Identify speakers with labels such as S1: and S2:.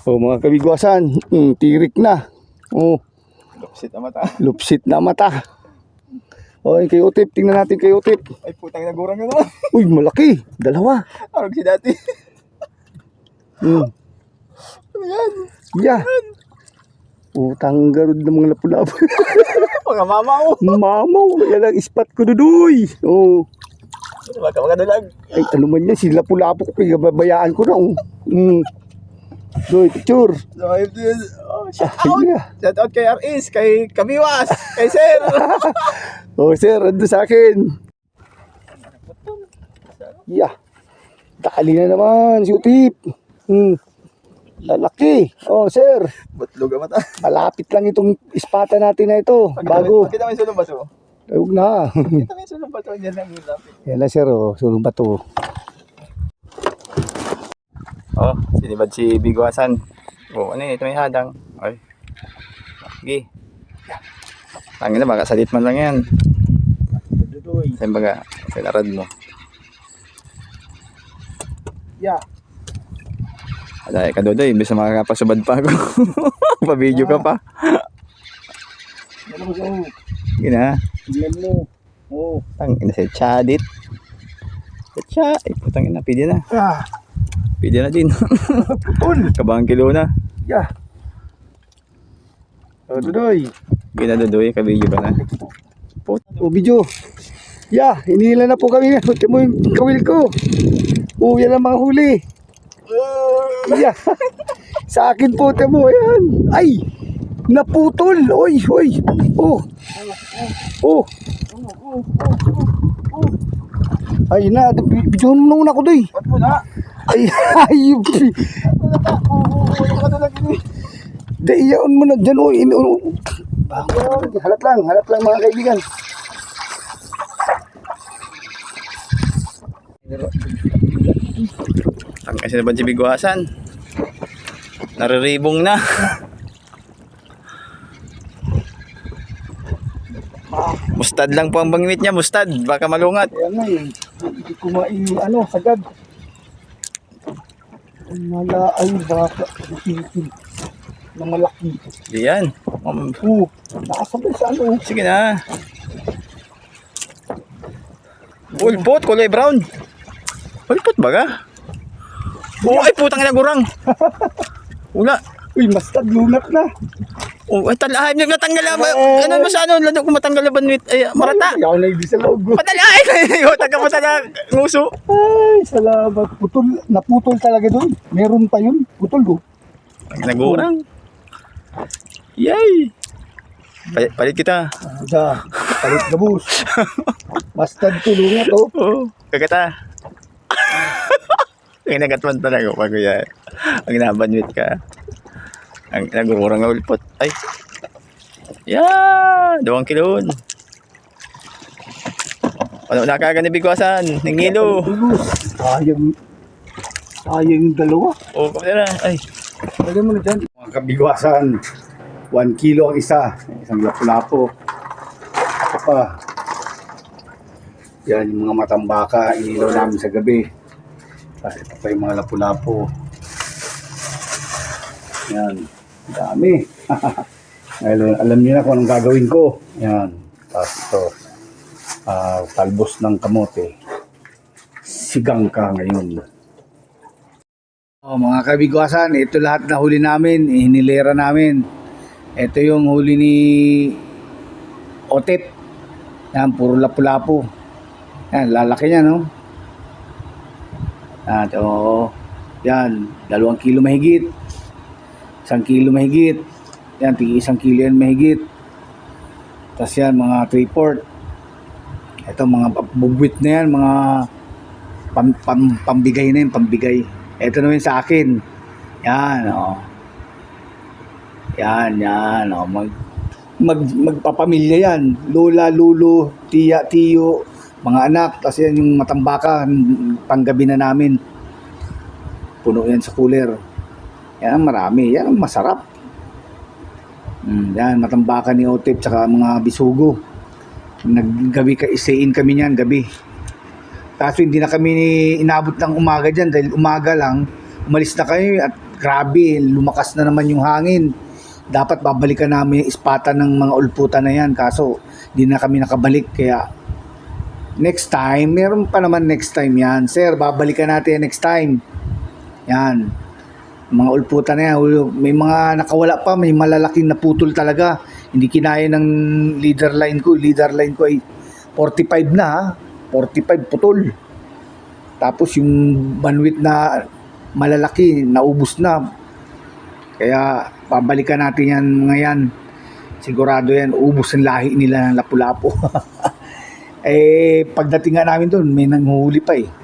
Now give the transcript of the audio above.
S1: Oh, mga kabigwasan, tirik na. Oh,
S2: Lupsit na mata.
S1: lupsit na mata. Okay, kay Utip, tingnan natin kay Utip.
S2: Ay, putang nagurang na naman.
S1: Uy, malaki. Dalawa.
S2: Arog si dati.
S1: Hmm.
S2: Ano yan?
S1: Yeah. Utang garod ng mga lapu-lapu.
S2: Mga mama ko.
S1: Mamaw, yan ang spot ko dudoy. Oh.
S2: Baka magadulag.
S1: Ay, ano man yan, si lapu-lapu ko, pinababayaan ko na. Oh. Doy, picture.
S2: So, if this, shout out.
S1: Yeah.
S2: Shout out kay RS, kay Kabiwas, kay Sir.
S1: Oh, sir, ando sa akin. Yeah. Dali na naman, si Utip. Lalaki. Oh, sir.
S2: Butlog ang mata.
S1: Malapit lang itong ispata natin na ito. Bago.
S2: Pakita mo yung sulong bato.
S1: Huwag na.
S2: Pakita mo yung sulong bato. Yan lang yung lapit.
S1: Yan na, sir. Oh, sulong bato.
S2: Oh, sinibad si Bigwasan. Oh, ano yun? Ito may hadang. Ay. Sige. Tangin na, baka salit man lang yan. Saan baga? Sinarad mo.
S1: Yeah.
S2: Dahil ka dodo, imbes na makakapasubad pa ako. Pa-video ka pa.
S1: Yan mo, sir.
S2: Sige na.
S1: Tingnan mo. Oh.
S2: Tangin na si Chadit. Cha, ay putang ina, pwede na.
S1: Ah.
S2: Pwede na din.
S1: Putol.
S2: Kabang kilo na.
S1: Yeah. Oh, Dudoy.
S2: Ginadodoy, ka-video ka na.
S1: Oh, video. Yeah, hinila na po kami. Ito mo yung kawil ko. Oh, yan ang mga huli. Yeah. Sa akin po, ito mo. Ayan. Ay, naputol. Oy, oy. Oh. Oh. Ay na, video mo nung ako doy.
S2: Ba't mo na?
S1: Ay, ay. Dayaon mo na dyan. Oh, halat lang mga kaibigan.
S2: Ang kasi naman si Bigwasan. Nariribong na. Mustad lang po ang bangwit niya, mustad. Baka malungat.
S1: Kaya nga eh, hindi ko sagad. Mala ay baka ipitin na malaki.
S2: Diyan.
S1: Nakasabay sa ano.
S2: Sige na. Ulpot, kulay brown. Ulpot ba ka? Oh, ay putang ina gurang. Wala.
S1: Uy, mastad, lunat na.
S2: Oh, ay talahay, natanggal na ba? Ano mo sa ano, lalo kung matanggal na banwit, ay marata.
S1: Ayaw na hindi sa loob.
S2: Patalahay kayo, taga na nguso.
S1: Ay, salamat. Putol, naputol talaga doon. Meron pa yun. Putol do.
S2: Nagurang. Yay! Palit kita.
S1: Da, palit gabus. Mastad to, lunat oh.
S2: Oo, kagata. Ang nagatman talaga pag yan. Ang nabanwit ka. Ang nagurang na ulpot. Ay. Yeah! 2 kilo. Ano na kaga ni Bigwasan? Nangilo.
S1: Sayang yung dalawa.
S2: Oh, kamera. Ay.
S1: Lagyan mo na dyan. Mga kabigwasan, 1 kilo ang isa. Isang lapu-lapo. Ito pa. Yan yung mga matambaka. Inilaw namin sa gabi. Tapos ito pa yung mga lapu-lapo. Yan. Dami. Ngayon, alam niyo na kung anong gagawin ko. Yan. Tapos ito. Talbos ng kamote. Sigang ka ngayon. Oh, mga kabigwasan, ito lahat na huli namin, hinilera namin. Ito yung huli ni Otep. Yan, puro lapu-lapu. Yan, lalaki niya, no? At, yan, 2 kilo mahigit. 1 kilo mahigit. Yan, tig 1 kilo yan mahigit. Tapos yan, mga 3/4. Ito, mga bubwit na yan, mga pambigay na yan, pambigay. Ito naman sa akin. Yan, Yan, magpapamilya yan. Lola, lulo, tiya, tiyo, mga anak. Tapos yan yung matambaka, panggabi na namin. Puno yan sa cooler. Yan, marami. Yan, masarap. Yan, matambaka ni Otep, tsaka mga bisugo. Naggabi isain kami niyan, gabi. Kaso hindi na kami inabot ng umaga dyan dahil umaga lang, umalis na kami at grabe, lumakas na naman yung hangin. Dapat babalikan namin yung ispatan ng mga ulputan na yan. Kaso, di na kami nakabalik. Kaya, next time, meron pa naman next time yan. Sir, babalikan natin yan next time. Yan. Mga ulputan na yan. May mga nakawala pa, may malalaking naputol talaga. Hindi kinaya ng leader line ko. Leader line ko ay 45 na ha. 45 putol. Tapos yung bandwidth na malalaki, naubos na. Kaya babalikan natin yan mga yan. Sigurado yan, ubos ang lahi nila ng Lapu-Lapu. Pagdating nga namin doon, may nanghuli pa